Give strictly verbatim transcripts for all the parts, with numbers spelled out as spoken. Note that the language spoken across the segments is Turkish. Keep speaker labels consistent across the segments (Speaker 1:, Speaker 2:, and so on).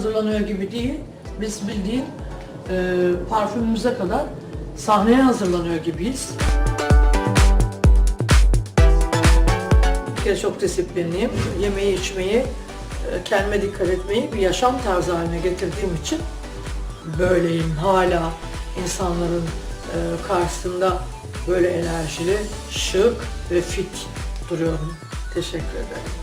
Speaker 1: hazırlanıyor gibi değil. Biz bildiğin e, parfümümüze kadar sahneye hazırlanıyor gibiyiz. Bir kere çok disiplinliyim. Yemeği, içmeyi, e, kendime dikkat etmeyi bir yaşam tarzı haline getirdiğim için böyleyim. Hala insanların e, karşısında böyle enerjili, şık ve fit duruyorum. Teşekkür ederim.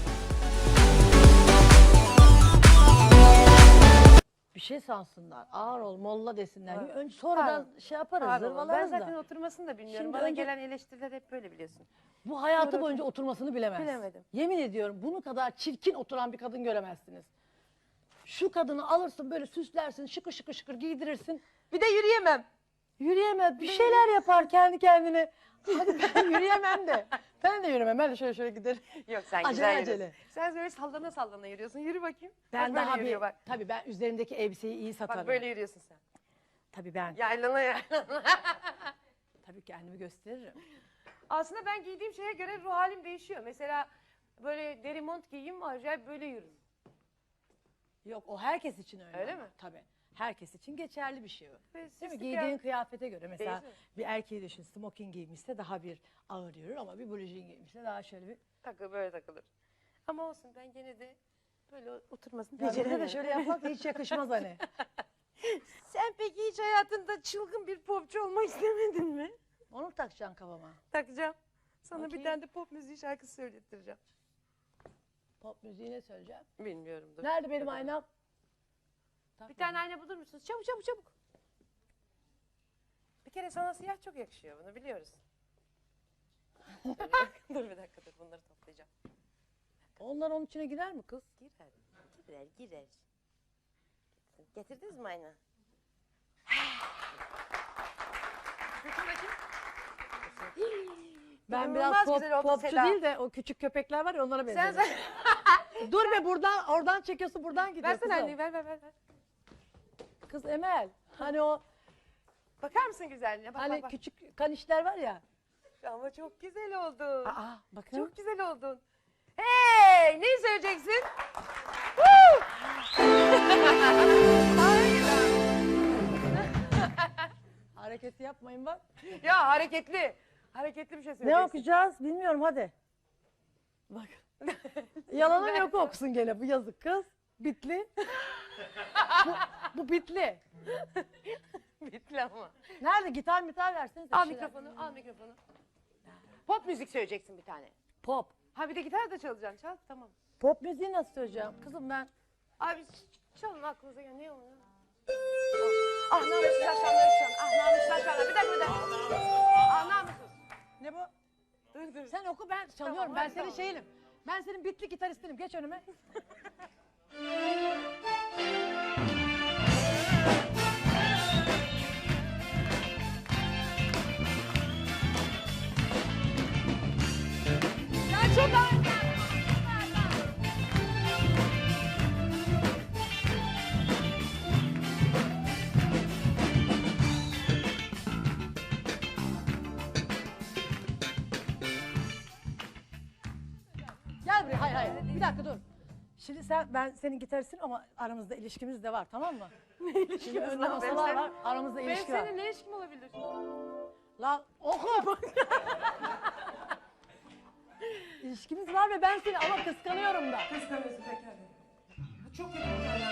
Speaker 2: Bir şey sansınlar, ağır ol, molla desinler.
Speaker 3: Evet.
Speaker 2: Önce sonradan
Speaker 3: Pardon.
Speaker 2: şey yaparız,
Speaker 3: Pardon, ben
Speaker 2: zırvalarız
Speaker 3: zaten
Speaker 2: da.
Speaker 3: oturmasını da bilmiyorum.
Speaker 2: Şimdi
Speaker 3: Bana
Speaker 2: önce-
Speaker 3: gelen eleştiriler hep böyle biliyorsun.
Speaker 2: Bu hayatı
Speaker 3: Doğru.
Speaker 2: boyunca oturmasını bilemez.
Speaker 3: Bilemedim.
Speaker 2: Yemin ediyorum bunu kadar çirkin oturan bir kadın göremezsiniz. Şu kadını alırsın böyle süslersin, şıkır şıkır şıkır giydirirsin.
Speaker 3: Bir de yürüyemem.
Speaker 2: Yürüyemez, bir şeyler yapar kendi kendine. Hadi ben yürüyemem de. Ben de yürüyemem, ben de şöyle şöyle giderim.
Speaker 3: Yok sen
Speaker 2: Acele
Speaker 3: güzel
Speaker 2: acele.
Speaker 3: yürüyorsun. Sen böyle sallana sallana yürüyorsun. Yürü bakayım.
Speaker 2: Ben
Speaker 3: bak böyle
Speaker 2: daha bir,
Speaker 3: yürüyor bak.
Speaker 2: tabii ben üzerimdeki elbiseyi iyi satarım.
Speaker 3: Bak böyle yürüyorsun sen.
Speaker 2: Tabii ben,
Speaker 3: Yaylana yaylana.
Speaker 2: tabii kendimi gösteririm.
Speaker 3: Aslında ben giydiğim şeye göre ruh halim değişiyor. Mesela böyle deri mont giyeyim acayip böyle yürürüm.
Speaker 2: Yok o herkes için öyle.
Speaker 3: Öyle
Speaker 2: ama.
Speaker 3: mi?
Speaker 2: Tabii. Herkes için geçerli bir şey o.
Speaker 3: Ve
Speaker 2: Değil mi?
Speaker 3: süslü
Speaker 2: Giydiğin
Speaker 3: kıyafet-
Speaker 2: kıyafete göre mesela
Speaker 3: Değil mi?
Speaker 2: bir erkeği düşün, smoking giymişse daha bir ağır yürür ama bir blujin giymişse daha şöyle bir...
Speaker 3: Takı böyle takılır. Ama olsun ben gene de böyle oturmasını
Speaker 2: Ya bize de
Speaker 3: beceremiyorum.
Speaker 2: şöyle yapmak da hiç yakışmaz hani.
Speaker 3: Sen peki hiç hayatında çılgın bir popçu olmak istemedin mi?
Speaker 2: Onu mu takacaksın kafama?
Speaker 3: Takacağım. Sana
Speaker 2: Bakayım.
Speaker 3: bir tane de pop müziği şarkısı söylettireceğim.
Speaker 2: Pop müziği ne söyleyeceğim?
Speaker 3: Bilmiyorum. Dur.
Speaker 2: Nerede benim
Speaker 3: Dur.
Speaker 2: aynam?
Speaker 3: Bir tane ayna bulur musunuz? Çabuk çabuk çabuk. Bir kere sana siyah çok yakışıyor, bunu biliyoruz. Dur bir dakika, dur bir dakika dur bunları toplayacağım.
Speaker 2: Onlar onun içine girer mi kız?
Speaker 3: Girer, girer, girer. Getirdiniz mi ayna? Bakın bakayım.
Speaker 2: Ben
Speaker 3: İnanılmaz
Speaker 2: biraz pop,
Speaker 3: güzel oldu
Speaker 2: popçu
Speaker 3: Seda.
Speaker 2: değil de o küçük köpekler var ya onlara
Speaker 3: Sen
Speaker 2: benziyorum.
Speaker 3: sen.
Speaker 2: Dur be buradan, oradan çekiyorsun buradan gidiyor
Speaker 3: Versene
Speaker 2: kızım.
Speaker 3: anneyi ver ver ver. ver.
Speaker 2: Kız Emel, hani o
Speaker 3: Bakar mısın güzelliğine? Bak
Speaker 2: hani
Speaker 3: bak bak.
Speaker 2: küçük kanişler var ya.
Speaker 3: Ama çok güzel oldun.
Speaker 2: Aa bakın.
Speaker 3: Çok güzel oldun. Hey! Neyi söyleyeceksin? Woo! Harika.
Speaker 2: Hareketi yapmayın bak.
Speaker 3: Ya hareketli. Hareketli bir şey
Speaker 2: Ne
Speaker 3: söyleyeceksin.
Speaker 2: okuyacağız bilmiyorum hadi. Bak. Yalanın yok okusun gene bu yazık kız. Bitli. bu, bu bitli.
Speaker 3: Bitti ama.
Speaker 2: Nerede gitar mitar versenize.
Speaker 3: Al
Speaker 2: bir şeyler.
Speaker 3: mikrofonu, al mikrofonu. Pop müzik söyleyeceksin bir tane.
Speaker 2: Pop.
Speaker 3: Ha bir de gitar da çalacaksın. Çal tamam.
Speaker 2: Pop müziği nasıl söyleyeceğim? Kızım ben.
Speaker 3: Abi ç- çalın aklınıza gelen ne oluyor? Ah namussuz akşamları çalın. Ah namussuz akşamları. Bir dakika bir dakika. Ah namussuz.
Speaker 2: Ne bu?
Speaker 3: Dur dur.
Speaker 2: Sen oku ben çalıyorum.
Speaker 3: Tamam,
Speaker 2: ben
Speaker 3: hadi,
Speaker 2: senin
Speaker 3: tamam.
Speaker 2: şeyinim. Ben senin bitli gitaristinim. Geç önüme.
Speaker 3: Ya çok ağır.
Speaker 2: Gel buraya. Hayır hayır. Bir dakika dur. Şimdi sen ben senin gitaristin ama aramızda ilişkimiz de var tamam mı? Ne ilişkimiz Şimdi önde
Speaker 3: var?
Speaker 2: masalar
Speaker 3: Benim
Speaker 2: var. Aramızda
Speaker 3: Benim
Speaker 2: ilişki var.
Speaker 3: senin ne ilişkim olabilir?
Speaker 2: Lan oku. İlişkimiz var ve ben seni ama kıskanıyorum da.
Speaker 3: Kıskanıyorsun pekala. Çok kötü bir tane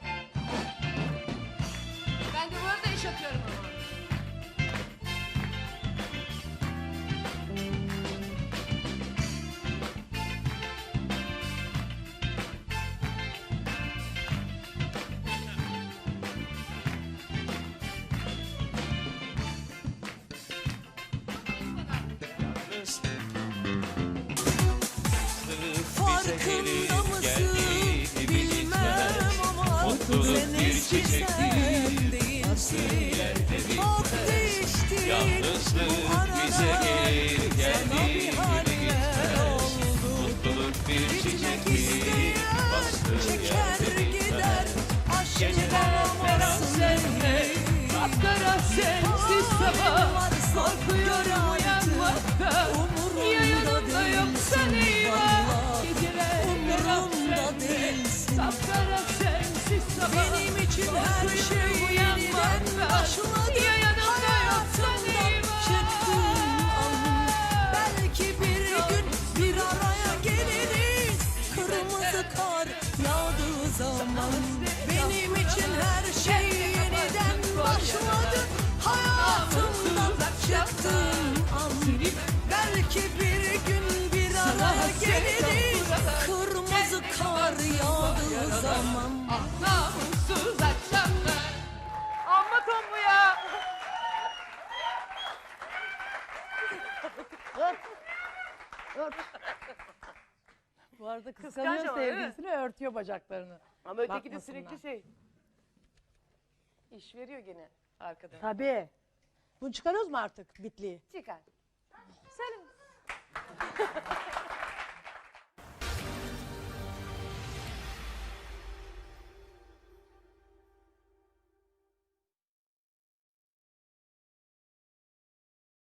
Speaker 3: Ben de bu arada iş atıyorum ama.
Speaker 4: Farkında mısın bilmem ama sen eskiden değilsin. Çok değiştin bu arada sana bir haller oldu. Gitmek isteyen çeker gider aşkına varsın.
Speaker 5: Kapkara sensiz sabah korkuyorum uyanmakta. Ya yanımda yoksan eyvah geceler
Speaker 4: Umurumda
Speaker 5: karanlık.
Speaker 4: değilsin.
Speaker 5: Kapkara sensiz sabah
Speaker 4: Benim için her şey yeniden başladı.
Speaker 5: Ya yanımda yoksan
Speaker 4: Hayatımdan çıktığın an. Belki bir gün bir araya geliriz. Kırmızı kar yağdığı zaman. Benim için her şey yeniden başladı. Hayatımdan çıktığın an. Belki bir gün bir araya geliriz. Kırmızı kar yağdığı zaman.
Speaker 5: Ah namussuz akşamlar. Amma ton bu ya.
Speaker 2: Bu arada
Speaker 3: Kıskanç
Speaker 2: kıskanıyor
Speaker 3: ama, değil mi?
Speaker 2: sevgilisini, örtüyor bacaklarını.
Speaker 3: Ama öteki de
Speaker 2: Bakmasınlar.
Speaker 3: sürekli şey. İş veriyor gene arkada.
Speaker 2: Tabii. Bunu çıkarıyoruz mu artık bitliği?
Speaker 3: Çıkar.